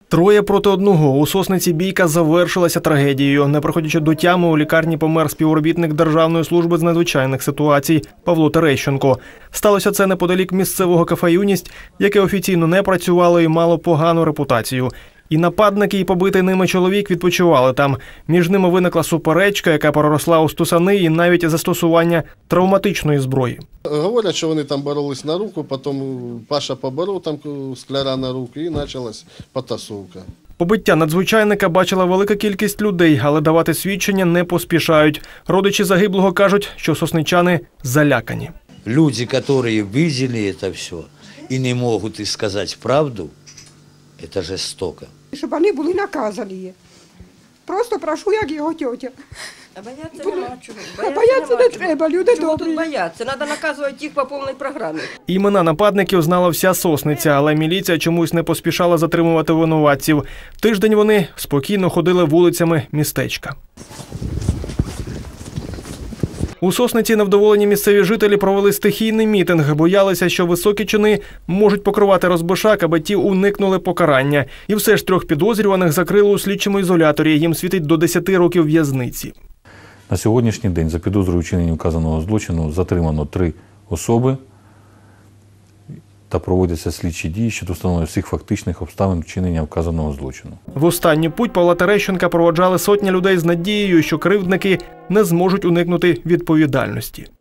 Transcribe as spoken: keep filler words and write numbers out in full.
Троє проти одного. У Сосниці бійка завершилася трагедією. Не приходячи до тями, у лікарні помер співробітник Державної служби з надзвичайних ситуацій Павло Терещенко. Сталося це неподалік місцевого кафе «Юність», яке офіційно не працювало і мало погану репутацію. І нападники, і побитий ними чоловік відпочивали там. Між ними виникла суперечка, яка переросла у стусани і навіть застосування травматичної зброї. Говорять, що вони там боролись на руку, потім Паша поборов там скляра на руку і почалась потасовка. Побиття надзвичайника бачила велика кількість людей, але давати свідчення не поспішають. Родичі загиблого кажуть, що сосничани залякані. Люди, які бачили це все і не можуть сказати правду, це жорстоко. Щоб вони були наказані. Просто прошу, як його тьотя. А бояться нема чого. А бояться не треба, люди добрі. Чого тут бояться? Треба наказувати їх по повній програмі. Імена нападників знала вся Сосниця, але міліція чомусь не поспішала затримувати винуватців. Тиждень вони спокійно ходили вулицями містечка. У Сосниці невдоволені місцеві жителі провели стихійний мітинг. Боялися, що високі чини можуть покривати розбишак, аби ті уникнули покарання. І все ж трьох підозрюваних закрили у слідчому ізоляторі. Їм світить до десяти років в'язниці. На сьогоднішній день за підозрою вчинення вказаного злочину затримано три особи та проводяться слідчі дії щодо встановлення всіх фактичних обставин вчинення вказаного злочину. В останню путь Павла Терещенка проводжали сотні людей з надією, що кривдники не зможуть уникнути відповідальності.